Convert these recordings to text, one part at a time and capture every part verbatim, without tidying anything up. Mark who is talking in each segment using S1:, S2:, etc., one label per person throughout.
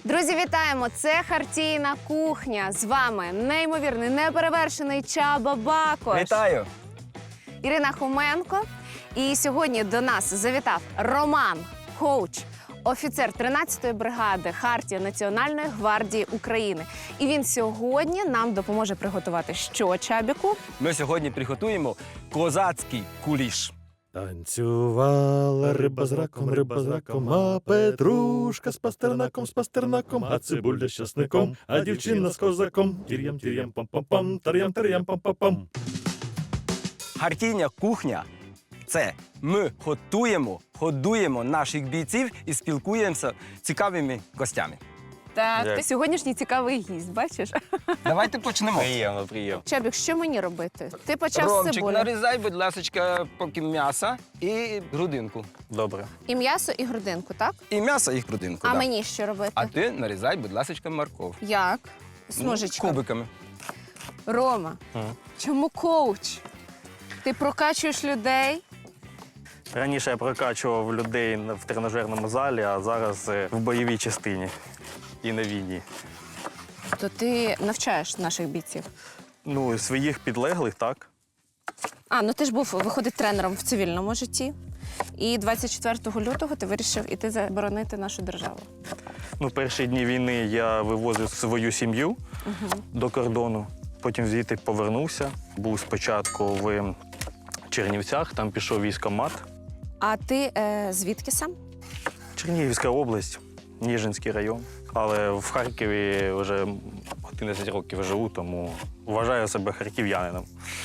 S1: Друзі, вітаємо! Це Хартійна кухня. З вами неймовірний, неперевершений Чаба Бакош.
S2: Вітаю!
S1: Ірина Хоменко. І сьогодні до нас завітав Роман, коуч, офіцер тринадцятої бригади Хартія Національної гвардії України. І він сьогодні нам допоможе приготувати що, Чабіку?
S2: Ми сьогодні приготуємо козацький куліш.
S3: Танцювала риба з раком, риба з раком, а петрушка з пастернаком, з пастернаком, а цибуля з часником, а дівчина з козаком. Тір'ям, тір'ям, пам-пам-пам, тар'ям, тар'ям, пам-пам-пам.
S2: Хартійна кухня – це ми готуємо, годуємо наших бійців і спілкуємося з цікавими гостями.
S1: Так,
S2: Як?
S1: ти сьогоднішній цікавий гість, бачиш?
S2: Давайте почнемо.
S4: Приємно, приємно.
S1: Чабік, що мені робити? Ти почав з
S2: Ромчик,
S1: цибулі.
S2: нарізай, будь ласка, поки м'яса і грудинку.
S4: Добре.
S1: І м'ясо, і грудинку, так?
S2: І м'ясо, і грудинку.
S1: А
S2: да.
S1: мені що робити?
S2: А ти нарізай, будь ласка, морков.
S1: Як?
S2: Ну,
S1: Смужечками.
S2: кубиками.
S1: Рома,
S4: Ага.
S1: чому коуч? Ти прокачуєш людей?
S4: Раніше я прокачував людей в тренажерному залі, а зараз е, в бойовій частині і на війні.
S1: То ти навчаєш наших бійців.
S4: Ну, своїх підлеглих, так.
S1: А, ну ти ж був, виходить, тренером в цивільному житті. І двадцять четвертого лютого ти вирішив іти заборонити нашу державу.
S4: Ну, перші дні війни я вивозив свою сім'ю до кордону, потім звідти повернувся. Був спочатку в Чернівцях, там пішов військкомат.
S1: А ти е, звідки сам?
S4: Чернігівська область, Ніжинський район. Але в Харкові вже одинадцять років живу, тому вважаю себе харків'янином.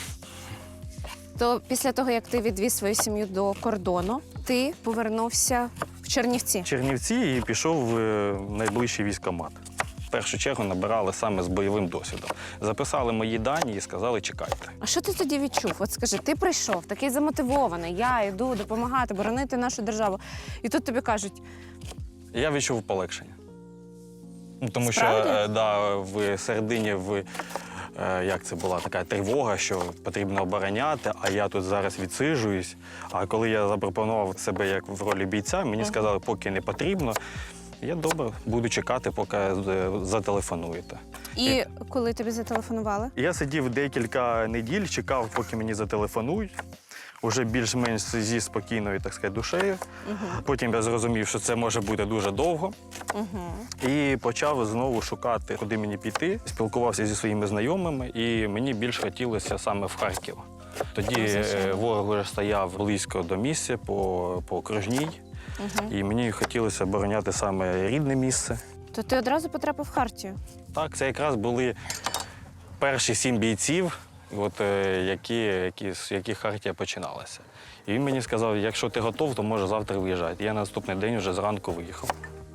S1: То після того, як ти відвіз свою сім'ю до кордону, ти повернувся в Чернівці.
S4: Чернівці і пішов в е, найближчий військкомат. В першу чергу набирали саме з бойовим досвідом. Записали мої дані і сказали, чекайте.
S1: А що ти тоді відчув? От скажи, ти прийшов, такий замотивований, я йду допомагати, боронити нашу державу. І тут тобі кажуть,
S4: Я відчув полегшення. Ну, тому
S1: Справді?
S4: що е, да, в середині в, е, як це була така тривога, що потрібно обороняти, а я тут зараз відсиджуюсь. А коли я запропонував себе як в ролі бійця, мені сказали, поки не потрібно. Я добре буду чекати, поки е, зателефонуєте.
S1: і коли тобі зателефонували?
S4: Я сидів декілька неділь, чекав, поки мені зателефонують. Уже більш-менш зі спокійною, так сказати, душею. Потім я зрозумів, що це може бути дуже довго. І почав знову шукати, куди мені піти. Спілкувався зі своїми знайомими, і мені більш хотілося саме в Харків. Тоді е, ворог вже стояв близько до місця по, по окружній. І мені хотілося обороняти саме рідне місце.
S1: То ти одразу потрапив в Хартію?
S4: Так, це якраз були перші сім бійців, от, е, які, які, з яких Хартія починалася. І він мені сказав, якщо ти готов, то може завтра виїжджати. Я на наступний день вже зранку виїхав.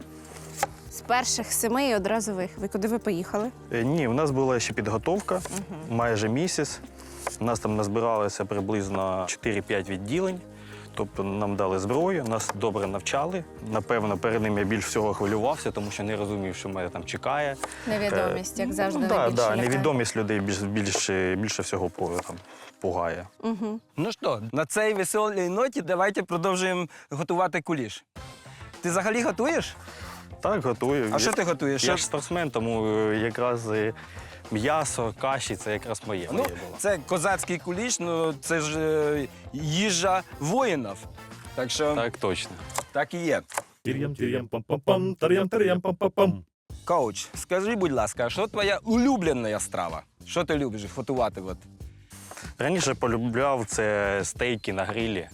S1: З перших семи і одразу виїхав. І куди ви поїхали?
S4: Е, Ні, у нас була ще підготовка, майже місяць. У нас там назбиралося приблизно чотири-п'ять відділень. Тобто нам дали зброю, нас добре навчали. Напевно, перед ним я більш всього хвилювався, тому що не розумів, що мене там чекає.
S1: Невідомість, як завжди,
S4: Ну, да,
S1: найбільше
S4: да,
S1: лякає.
S4: невідомість людей більш, більше, більше всього по- там, пугає.
S2: Ну що, на цій веселій ноті давайте продовжуємо готувати куліш. Ти взагалі готуєш?
S4: Так, готую.
S2: А що ти готуєш?
S4: Я
S2: Що-
S4: ж спортсмен, тому е, якраз е, м'ясо, каші це якраз моє.
S2: Ну,
S4: моє було.
S2: це козацький куліш, ну це ж е, їжа воїнів. Так що так,
S4: Так, точно.
S2: і є.
S3: Тір'ям, тір'ям, пам-пам-пам, тар'ям, тар'ям, пам-пам-пам.
S2: Коуч, скажи, будь ласка, а що твоя улюблена страва? Що ти любиш готувати? От?
S4: Раніше полюбляв це стейки на грилі.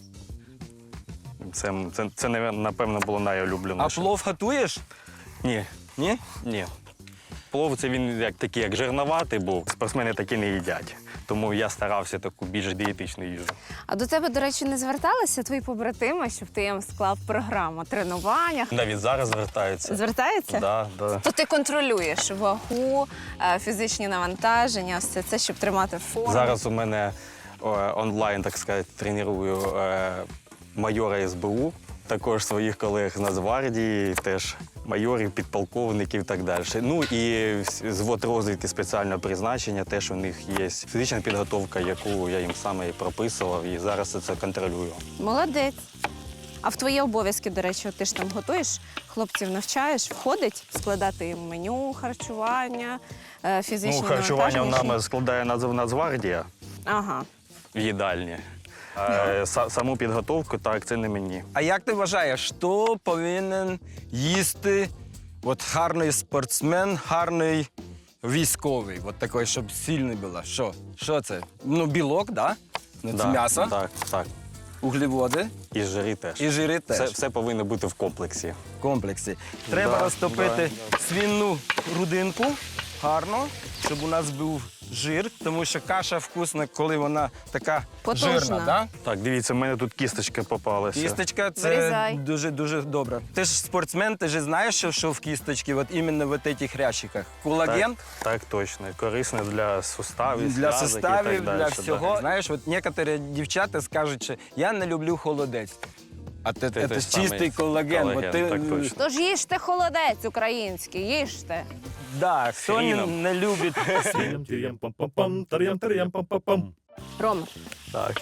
S4: Це, це, це напевно, було
S2: А
S4: найулюбленіше.
S2: плов готуєш?
S4: Ні,
S2: Ні?
S4: ні. Плов це він як такий, як жирноватий був. Спортсмени такі не їдять. Тому я старався таку більш дієтичну їжу.
S1: А до тебе, до речі, не зверталися твої побратими, щоб ти їм склав програму тренуваннях?
S4: Навіть зараз звертаються.
S1: Звертаються?
S4: Да, да.
S1: То ти контролюєш вагу, е, фізичні навантаження, все це, щоб тримати форму.
S4: Зараз у мене о, онлайн, так сказати, треную е, майора ес бе у, також своїх колег з Нацгвардії, теж майорів, підполковників і так далі. Ну і звод розвідки спеціального призначення, теж у них є фізична підготовка, яку я їм саме і прописував, і зараз це контролюю.
S1: Молодець. А в твої обов'язки, до речі, от ти ж там готуєш, хлопців навчаєш, входить складати їм меню, харчування, е, фізичне
S4: Ну, харчування в
S1: навантаження?
S4: нами складає Нац- Нацгвардія
S1: Ага.
S4: в їдальні. А са- саму підготовку, так, це не мені.
S2: А як ти вважаєш, що повинен їсти от гарний спортсмен, гарний військовий, от такий, щоб сильний був? Що? Що це? Ну, білок, да? Ну, це
S4: Да,
S2: м'ясо,
S4: Так, так.
S2: углеводи
S4: І жири теж.
S2: і жири теж.
S4: Все, все повинно бути в комплексі.
S2: В комплексі. Треба
S4: Да,
S2: розтопити
S4: да.
S2: свинну грудинку гарно, щоб у нас був жир, тому що каша вкусна, коли вона така
S1: Потужна.
S2: жирна. Да?
S4: Так, дивіться, в мене тут кісточки попалися.
S2: Кісточка це
S1: Вирізай.
S2: дуже-дуже добре. Ти ж спортсмен, ти ж знаєш, що, що в кісточці, от іменно в цих хрящиках. Колаген
S4: Так, так, точно. Корисне для суставів,
S2: для
S4: зв'язок і
S2: суставів,
S4: так далі.
S2: для
S4: да.
S2: всього. Знаєш, от некоторі дівчата скажуть, що я не люблю холодець. А це,
S4: Ти
S2: це
S4: теж
S2: чистий
S4: самий
S2: колаген.
S4: колаген,
S2: От ти,
S4: так точно.
S1: Тож їжте холодець український, їжте.
S2: Да, хто не,
S4: хріном.
S2: не любить.
S3: Тирям, тирям, пам-пам-пам, тарям, тарям, пам-пам-пам.
S1: Рома,
S4: Так.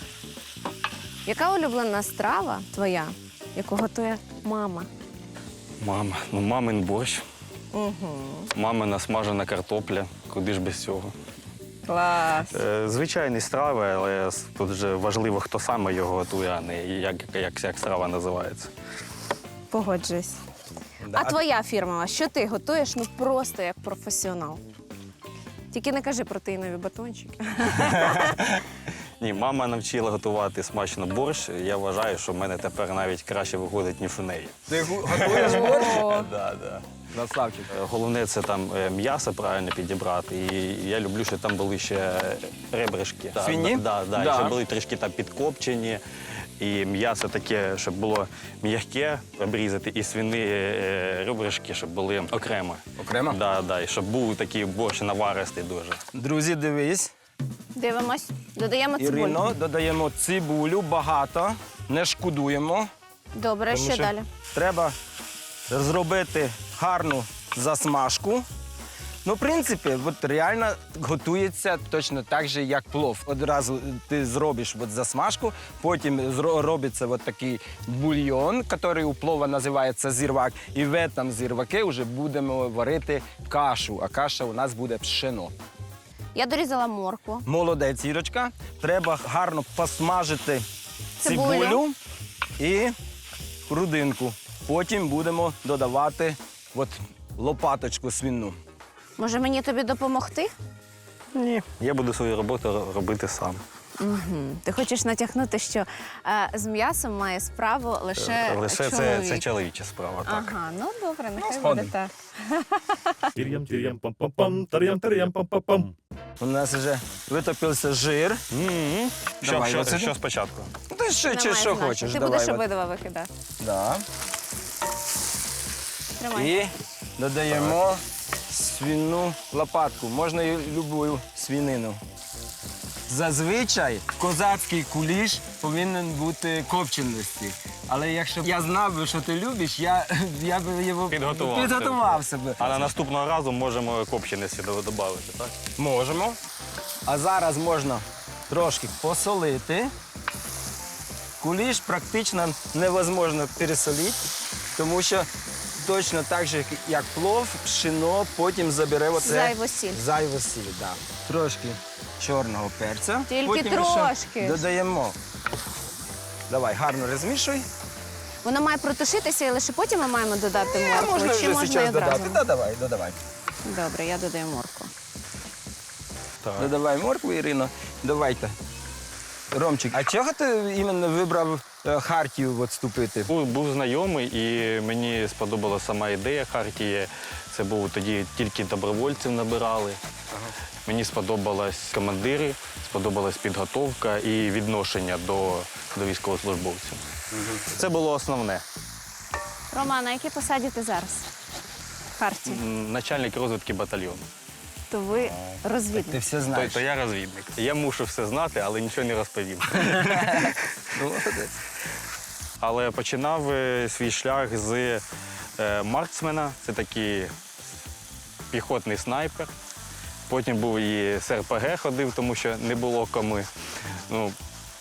S1: яка улюблена страва твоя, яку готує мама?
S4: Мама, ну мамин борщ,
S1: Угу.
S4: мамина смажена картопля. Куди ж без цього?
S1: Клас.
S4: Е, Звичайні страви, але тут вже важливо, хто саме його готує, а не як, як, як страва називається.
S1: Погоджуюсь.
S2: Да.
S1: А твоя фірмова, що ти готуєш ну просто як професіонал? Тільки не кажи протеїнові батончики.
S4: Ні, мама навчила готувати смачно борщ. Я вважаю, що в мене тепер навіть краще виходить, ніж у неї.
S2: Ти гу- готуєш борщ?
S1: О,
S4: Да, да.
S2: Наславчик.
S4: Е, Головне це там е, м'ясо правильно підібрати. І я люблю, щоб там були ще ребришки. Да,
S2: Свині?
S4: Да, да,
S2: Да.
S4: щоб були трішки там підкопчені. І м'ясо таке, щоб було м'яке обрізати, і свини е, ребришки, щоб були окремо.
S2: Окремо?
S4: Да, да, і щоб був такий борщ наваристий дуже.
S2: Друзі, дивись.
S1: дивимось. Додаємо цибулю.
S2: Ірино, додаємо цибулю багато, не шкодуємо.
S1: Добре,
S2: Тому
S1: що
S2: що
S1: далі?
S2: Треба зробити гарну засмажку. Ну, в принципі, от реально готується точно так же, як плов. Одразу ти зробиш от засмажку, потім зро- робиться от такий бульйон, який у плова називається зірвак. І в цьому зірваки вже будемо варити кашу, а каша у нас буде пшено.
S1: Я дорізала моркву.
S2: Молодець, Ірочка. Треба гарно посмажити
S1: Цибулю.
S2: цибулю і грудинку. Потім будемо додавати от лопаточку свинну.
S1: Може мені тобі допомогти?
S4: Ні. Я буду свою роботу робити сам.
S1: Угу. Ти хочеш натякнути, що е, з м'ясом має справу лише,
S4: Лише це,
S1: чоловік.
S4: це чоловіча справа, так.
S1: Ага, ну добре, нехай буде
S2: згоден.
S1: так.
S3: Тирям, тирям, пам-пам-пам, тарям, тарям, пам-пам-пам.
S2: У нас вже витопився жир.
S4: М-м. Що,
S2: Давай,
S4: що,
S2: оце-
S4: що спочатку?
S2: Ну, Ти що, чи
S1: Немає
S2: що
S1: значення.
S2: хочеш?
S1: Ти
S2: Давай,
S1: будеш
S2: от.
S1: обидва викидати.
S2: Да.
S1: Тримай.
S2: І додаємо свинну лопатку. Можна і любую свинину. Зазвичай козацький куліш повинен бути копченості. Але якщо б я знав би, що ти любиш, я, я б його
S4: Підготував
S2: підготував себе.
S4: А на наступного разу можемо копченості додати, так?
S2: Можемо. А зараз можна трошки посолити. Куліш практично невозможно пересолити, тому що точно так же, як плов, пшено потім забере оце
S1: Зайву сіль.
S2: Зайву сіль, да. Трошки чорного перця.
S1: Тільки
S2: потім
S1: трошки.
S2: ще додаємо. Давай, гарно розмішуй.
S1: Воно має протушитися і лише потім ми маємо додати
S2: Е,
S1: моркву.
S2: можна
S1: Чи
S2: вже
S1: можна і
S2: зараз
S1: одразу?
S2: додати. Додавай, додавай.
S1: Добре, я додаю моркву.
S4: Так.
S2: Додавай моркву, Ірино. Давайте. Ромчик, а чого ти іменно вибрав е, Хартію от вступити?
S4: Був, був знайомий, і мені сподобалася сама ідея Хартії. Це був тоді тільки добровольців набирали. Мені сподобались командири, сподобалась підготовка і відношення до, до військовослужбовців. Це було основне.
S1: Роман, на якій посаді ти зараз? В Харті.
S4: М, Начальник розвідки батальйону.
S1: То ви
S2: Ти
S1: розвідник.
S2: все
S4: То,
S2: знаєш.
S4: то я розвідник. Я мушу все знати, але нічого не розповів.
S2: Ну, молодець.
S4: Але починав е, свій шлях з е, марксмена, це такий піхотний снайпер. Потім був і з РПГ ходив, тому що не було кому. Ну,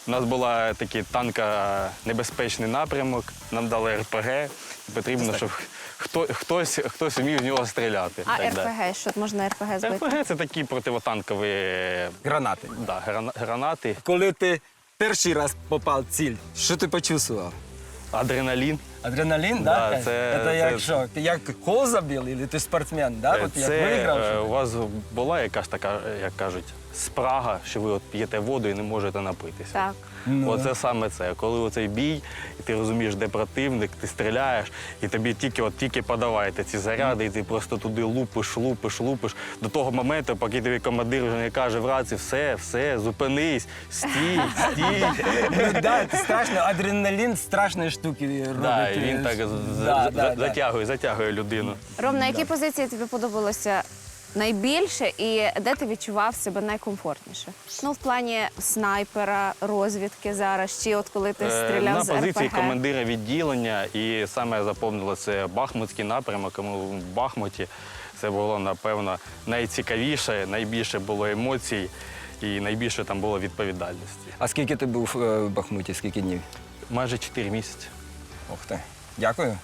S4: У нас була такий танконебезпечний напрямок, нам дали ер пе ге. Потрібно, щоб хто, хтось, хтось вмів в нього стріляти.
S1: А
S4: так далі.
S1: ер пе ге, що можна ер пе ге
S4: ер
S1: збити?
S4: пе ге – це такі противотанкові
S2: Гранати.
S4: да, грана- гранати,
S2: Коли ти перший раз попав в ціль, що ти почувствував?
S4: адреналін.
S2: Адреналін,
S4: Да,
S2: да?
S4: це-
S2: це як
S4: це-
S2: що? Ти як гол забив, або ти спортсмен, да? От як
S4: Це
S2: виграв?
S4: е,
S2: що
S4: у
S2: ти?
S4: вас була якась така, як кажуть, спрага, що ви от п'єте воду і не можете напитися.
S1: Так.
S2: Ну.
S4: Оце саме це. Коли оцей бій, і ти розумієш, де противник, ти стріляєш, і тобі тільки от тільки подавайте ці заряди, і ти просто туди лупиш, лупиш, лупиш. До того моменту, поки тобі командир вже не каже в рації, все, все, зупинись, стій, стій.
S2: Ну, да, це страшно. Адреналін страшної штуки робить.
S4: Да, і він так з-
S2: Да,
S4: з-
S2: да, да.
S4: затягує, затягує людину.
S1: Ром, на якій позиції тобі подобалося найбільше і де ти відчував себе найкомфортніше? Ну, в плані снайпера, розвідки зараз, чи от коли ти
S4: Е,
S1: стріляв
S4: На
S1: з ер пе
S4: позиції
S1: ге?
S4: командира відділення, і саме запомнило це Бахмутський напрямок. Тому в Бахмуті це було, напевно, найцікавіше, найбільше було емоцій і найбільше там було відповідальності.
S2: А скільки ти був е, в Бахмуті, скільки днів?
S4: Майже чотири місяці.
S2: Ух ти. Дякую.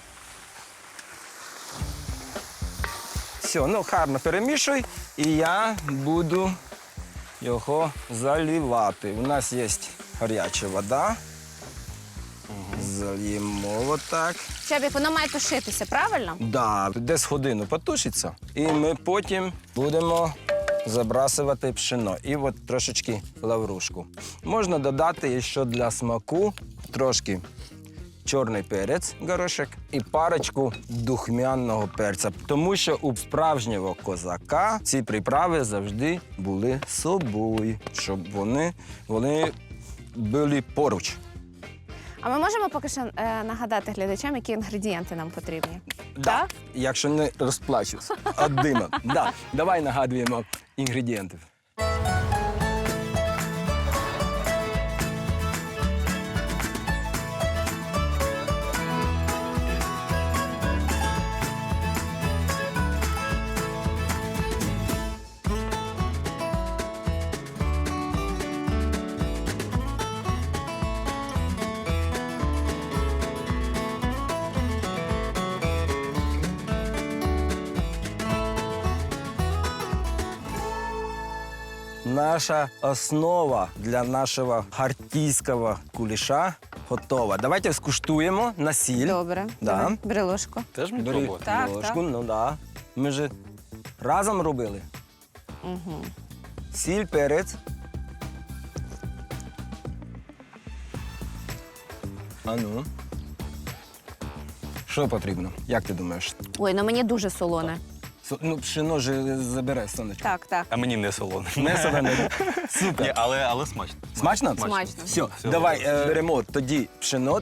S2: Все, ну гарно перемішуй, і я буду його заливати. У нас є гаряча вода. Зальємо отак.
S1: Чабік, воно має тушитися, правильно?
S2: Да, десь годину потушиться. І ми потім будемо забрасувати пшено. І от трошечки лаврушку. Можна додати ще для смаку трошки чорний перець, горошок, і парочку духмяного перця. Тому що у справжнього козака ці приправи завжди були з собою, щоб вони, вони були поруч.
S1: А ми можемо поки що е, нагадати глядачам, які інгредієнти нам потрібні?
S2: Да. Якщо не розплачусь від дима. Да. Давай нагадуємо інгредієнти. Наша основа для нашого хартійського куліша готова. Давайте скуштуємо на сіль.
S1: Добре.
S2: Да.
S1: Давай, бери ложку.
S4: Теж мені
S2: Бери
S4: пробувати?
S1: Так,
S2: ложку,
S1: так.
S2: ну да. Ми ж разом робили.
S1: Угу.
S2: Сіль, перець. А ну. Що потрібно? Як ти думаєш?
S1: Ой, ну мені дуже солоне.
S2: Со- Ну, пшено ж забере сонечко.
S1: Так, так.
S4: А мені не солоне.
S2: Не солене. Супер.
S4: Ні, але, але смачно.
S2: Смачно?
S1: Смачно.
S2: Все,
S4: Все,
S2: давай
S4: добре.
S2: е, беремо тоді пшено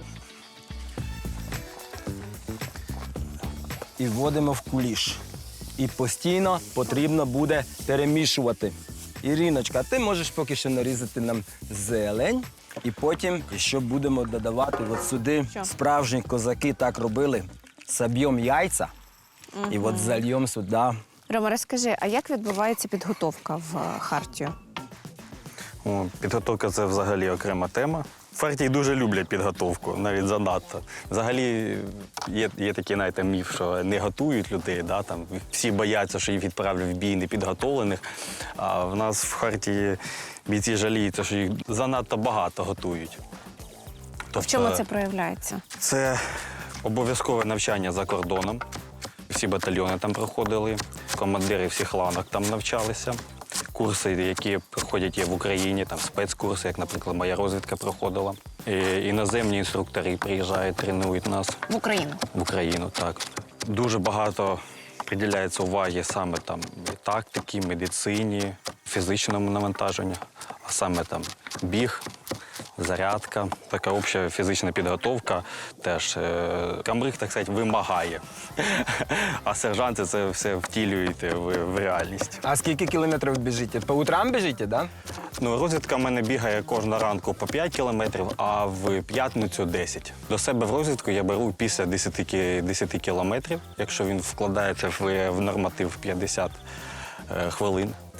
S2: і вводимо в куліш. І постійно потрібно буде перемішувати. Іриночка, ти можеш поки що нарізати нам зелень, і потім ще будемо додавати от сюди.
S1: Що?
S2: Справжні козаки так робили. Соб'ємо яйця і от зальємо сюди.
S1: Рома, розкажи, а як відбувається підготовка в е, Хартію?
S4: О, підготовка це взагалі окрема тема. В партії дуже люблять підготовку, навіть занадто. Взагалі є, є такий знаєте, міф, що не готують людей, да, там, всі бояться, що їх відправлять в бій непідготовлених. А в нас в Хартії бійці жаліються, що їх занадто багато готують.
S1: В чому це проявляється?
S4: Це обов'язкове навчання за кордоном. Всі батальйони там проходили, командири всіх ланок там навчалися. Курси, які проходять є в Україні, там спецкурси, як, наприклад, моя розвідка проходила. І іноземні інструктори приїжджають, тренують нас
S1: В Україну.
S4: в Україну. Так. Дуже багато приділяється уваги саме там і тактики, медицині, фізичному навантаженню, а саме там біг, зарядка, така обща фізична підготовка теж е, камриг, так сказати, вимагає. А сержанти це все втілюють в, в реальність.
S2: А скільки кілометрів біжите? По утрам біжите, да?
S4: Ну, розвідка в мене бігає кожного ранку по п'ять кілометрів, а в п'ятницю десять. До себе в розвідку я беру після десяти кілометрів, якщо він вкладається в, в норматив п'ятдесят е, хвилин.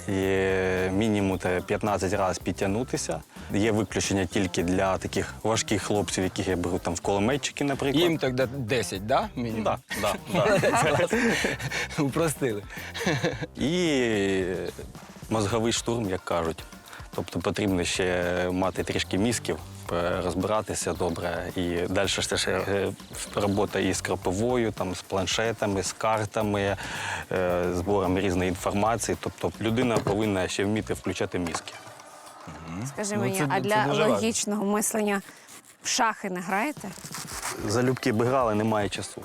S4: і мінімум те п'ятнадцять разів підтягнутися. Є виключення тільки для таких важких хлопців, яких я беру там в кулеметчики, наприклад.
S2: Їм тоді десять, да? Мінімум?
S4: Да, да, да.
S2: Упростили.
S4: І мозговий штурм, як кажуть. Тобто потрібно ще мати трішки мізків, розбиратися добре. І далі ж ще е, робота і з краповою, там, з планшетами, з картами, е, збором різної інформації. Тобто людина повинна ще вміти включати мізки.
S1: Скажи
S2: Ну,
S1: мені,
S2: це-
S1: а
S2: це
S1: для
S2: дуже важко.
S1: логічного мислення в шахи не граєте?
S4: Залюбки би грали, немає часу.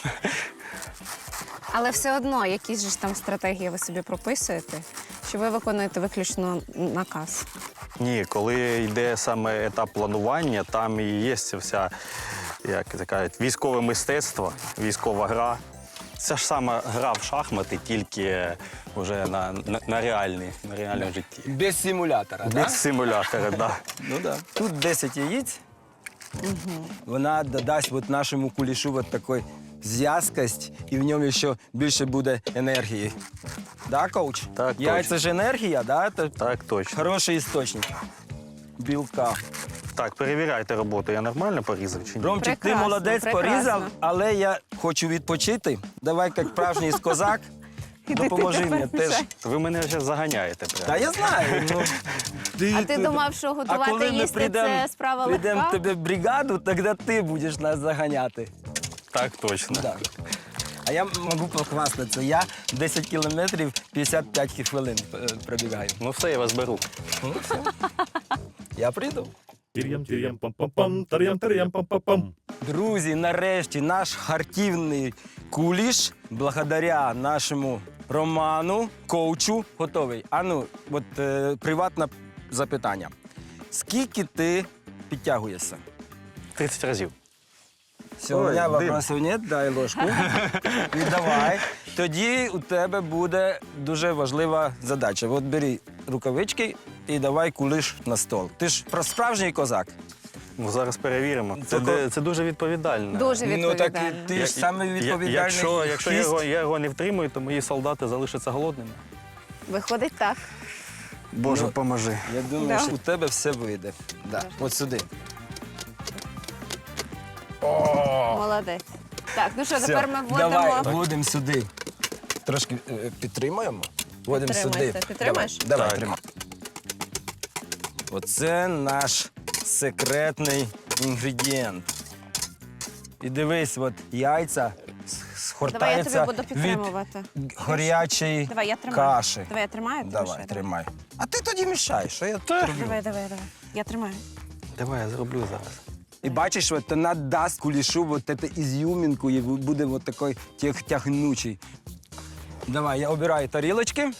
S1: Але все одно, якісь же ж там стратегії ви собі прописуєте, чи ви виконуєте виключно наказ?
S4: Ні, коли йде саме етап планування, там і є ця вся, як це кажуть, військове мистецтво, військова гра. Це ж саме гра в шахмати, тільки вже на, на, на, реальні, на реальному житті.
S2: Без симулятора, так?
S4: Без симулятора, да.
S2: Ну да. Тут десять яиц. Вона додасть от нашому кулішу от такої зв'язкость, і в ньому ще більше буде енергії. Да, коуч?
S4: Так,
S2: Яйця
S4: точно.
S2: ж енергія, да? Це
S4: Так, точно.
S2: хороший істочник білка.
S4: Так, перевіряйте роботу. Я нормально порізав чи ні?
S2: Ромчик, ти
S1: Прекрасно,
S2: молодець,
S1: прекрасно.
S2: порізав, але я хочу відпочити. Давай, як справжній козак, допоможи мені теж.
S4: Ви мене вже заганяєте прямо.
S2: Та я знаю. Ну,
S1: А ти думав, що
S2: а
S1: готувати
S2: коли ми
S1: їсти
S2: прийдемо
S1: це справа
S2: прийдем
S1: легка?
S2: тебе в бригаду, тоді ти будеш нас заганяти.
S4: Так, точно.
S2: Да. А я можу похвастатися. Я десять кілометрів п'ятдесят п'ять хвилин е, пробігаю.
S4: Ну все, я вас беру.
S2: Ну, все. Я прийду.
S3: Тир'ям, тир'ям, пам-пам-пам, тар'ям, тар'ям, пам-пам-пам.
S2: Друзі, нарешті наш хартівний куліш, благодаря нашому Роману, коучу, готовий. Ану, от е, приватне запитання. Скільки ти підтягуєшся?
S4: тридцять разів.
S2: Все,
S4: Ой,
S2: у мене
S4: дим.
S2: вопросів нет, дай ложку. І давай. Тоді у тебе буде дуже важлива задача. От бери рукавички і давай кулиш на стол. Ти ж про справжній козак.
S4: Ну, зараз перевіримо. Це,
S2: Тільки-
S4: де- це дуже відповідально.
S1: Дуже
S2: Ну так
S1: відповідально.
S2: і ти
S4: Я-
S2: ж саме
S4: я-
S2: відповідальний.
S4: Якщо, якщо я,
S2: хист.
S4: його, я його не втримую, то мої солдати залишаться голодними.
S1: Виходить так.
S4: Боже,
S2: Ну,
S4: поможи.
S2: Я думаю,
S1: Да.
S2: що у тебе все вийде. Да. От сюди.
S1: Молодець. Так, ну що,
S2: Все.
S1: тепер ми
S2: Давай,
S1: вводимо.
S2: вводимо сюди. Трошки е, підтримаємо. Вводимо сюди.
S1: Підтримуйте. Підтримаєш?
S2: Давай, давай
S4: Так.
S2: тримай. Оце наш секретний інгредієнт. І дивись, от яйця с-
S1: Давай я
S2: схортаються
S1: тобі буду
S2: від
S1: підтримувати.
S2: гарячої
S1: Давай, я тримаю.
S2: каші.
S1: Давай я тримаю. ти
S2: Давай,
S1: лише,
S2: тримай. А ти тоді мішаєш, що я роблю?
S1: Давай, давай, давай. Я тримаю.
S4: Давай, я зроблю зараз.
S2: І бачиш, от вона дасть кулішу от эту ізюмінку, і буде от такий тяг- тягнучий. Давай, я обираю тарілочки.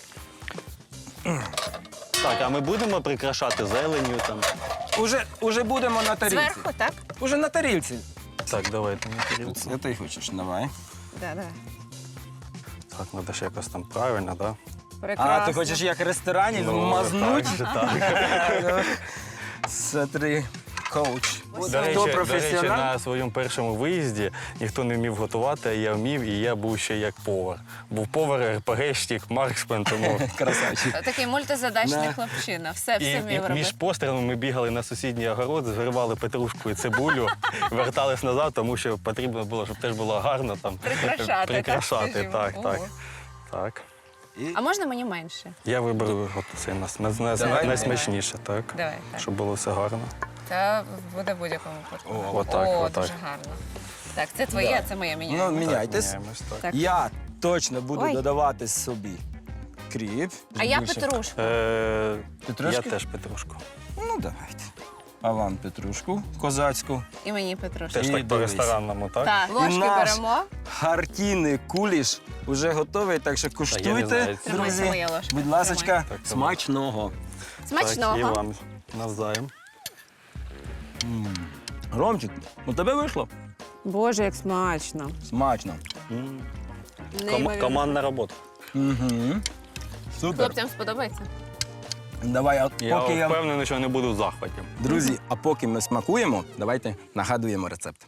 S4: Так, а ми будемо прикрашати зеленню там.
S2: Уже, уже будемо на тарілці.
S1: Зверху, так?
S2: Уже на тарілці.
S4: Так, давайте на тарілку.
S2: Це ти хочеш, давай.
S1: Да, давай.
S4: Так, треба ж якось там правильно, так?
S1: Прекрасно.
S2: А, ти хочеш як в ресторані
S4: Ну,
S2: мазнуть?
S4: так же, так.
S2: Смотри, коуч.
S4: До
S2: Хто
S4: речі, до речі,
S2: професіонал?
S4: на своєму першому виїзді ніхто не вмів готувати, а я вмів, і я був ще як повар. Був повар, РПГшник, марксмен, тому...
S2: Красавчик.
S1: Такий мультизадачний
S2: Да.
S1: хлопчина. Все,
S4: І,
S1: все
S4: і
S1: вмів
S4: між
S1: робити.
S4: пострілами ми бігали на сусідній огород, зривали петрушку і цибулю, вертались назад, тому що потрібно було, щоб теж було гарно там
S1: Прикрашати,
S4: прикрашати,
S1: так, скажімо.
S4: так, так,
S1: Ого.
S4: так.
S1: А можна мені менше?
S4: Я виберу от це нас- нас- нас-
S2: Давай.
S4: найсмачніше, так?
S1: Давай, так.
S4: Щоб було все гарно.
S1: Та буде в будь-якому випадку.
S2: О,
S4: отак,
S1: О,
S4: отак.
S1: дуже гарно. Так, це твоє, а це моє
S2: Ну,
S1: міняємо.
S2: міняйтесь.
S4: міняємось, так.
S1: Так.
S2: Я точно буду
S1: Ой.
S2: додавати собі кріп.
S1: А я
S2: Більше.
S1: петрушку.
S4: Е,
S2: Петрушки?
S4: Я теж петрушку.
S2: Ну, давайте. А вам петрушку козацьку.
S1: І мені петрушку.
S4: Теж
S2: І
S4: так
S2: дивись.
S4: по-ресторанному, так?
S1: Так, ложки
S2: наш
S1: беремо.
S2: Хартійний куліш вже готовий, так що
S4: я не
S2: куштуйте,
S4: знаю.
S1: Тримай, це
S2: друзі.
S1: моя ложка.
S2: Будь ласочка,
S4: Так,
S2: смачного.
S4: Так, і
S1: Смачного.
S4: вам навзаєм.
S2: Ромчик, у тебе вийшло?
S1: Боже, як смачно.
S2: Смачно.
S4: М. Ком-
S1: Неймовірно.
S4: командна робота.
S2: Угу. Супер.
S1: Хлопцям сподобається?
S2: Давай, а
S4: Я
S2: поки я...
S4: впевнений, що не буду в захваті.
S2: Друзі, а поки ми смакуємо, давайте нагадуємо рецепт.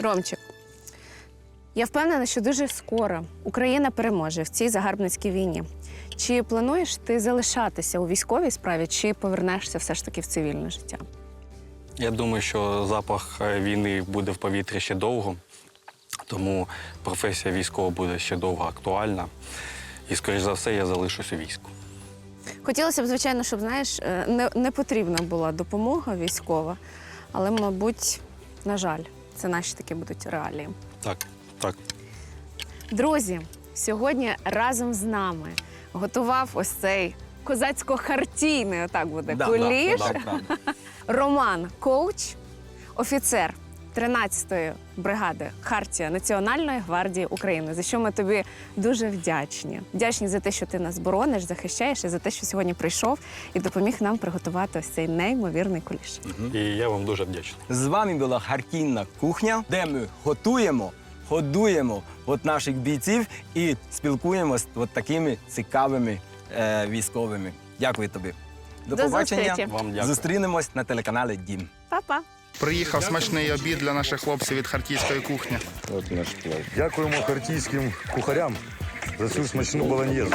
S1: Ромчик, я впевнена, що дуже скоро Україна переможе в цій загарбницькій війні. Чи плануєш ти залишатися у військовій справі, чи повернешся все ж таки в цивільне життя?
S4: Я думаю, що запах е, війни буде в повітрі ще довго, тому професія військова буде ще довго актуальна. І, скоріш за все, я залишусь у війську.
S1: Хотілося б, звичайно, щоб, знаєш, е, не, не потрібна була допомога військова, але, мабуть, на жаль, це наші такі будуть реалії.
S4: Так, так.
S1: Друзі, сьогодні разом з нами готував ось цей козацько-хартійний, отак буде,
S2: Да,
S1: куліш.
S2: да, да, да.
S1: Роман Коуч, офіцер тринадцятої бригади Хартія Національної гвардії України, за що ми тобі дуже вдячні. Вдячні за те, що ти нас борониш, захищаєш, і за те, що сьогодні прийшов і допоміг нам приготувати ось цей неймовірний куліш.
S4: І я вам дуже вдячний.
S2: З вами була Хартійна кухня, де ми готуємо, годуємо от наших бійців і спілкуємося з от такими цікавими е, військовими. Дякую тобі. До,
S1: До
S2: побачення.
S1: зустрічі.
S4: Вам дякую.
S2: Зустрінемось на телеканалі Дім.
S1: Па-па!
S5: Приїхав смачний обід для наших хлопців від харківської кухні.
S6: От наш плов. Дякуємо хартійським кухарям за цю смачну болоньєзу.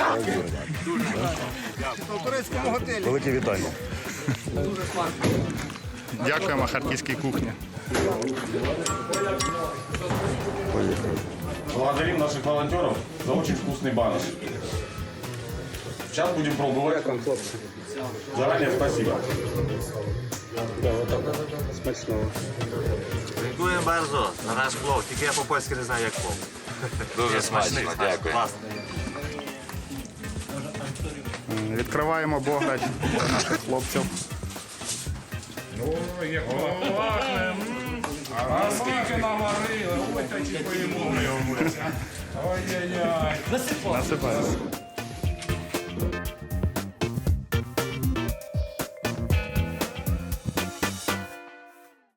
S5: турецькому готелі.
S6: Велике вітання.
S5: Дякуємо харківській кухні.
S7: Благодарим наших волонтеров за очень вкусный баныш. Сейчас будем пробовать. Заранее спасибо.
S8: Дякую bardzo за наш плов. Тільки я по-польськи не знаю, як плов. Дуже смачний, дякую.
S5: Відкриваємо бограч для наших хлопців.
S7: А скільки наварили? Ой, такі поїмо. Ой-ой-ой.
S5: Насипаємо.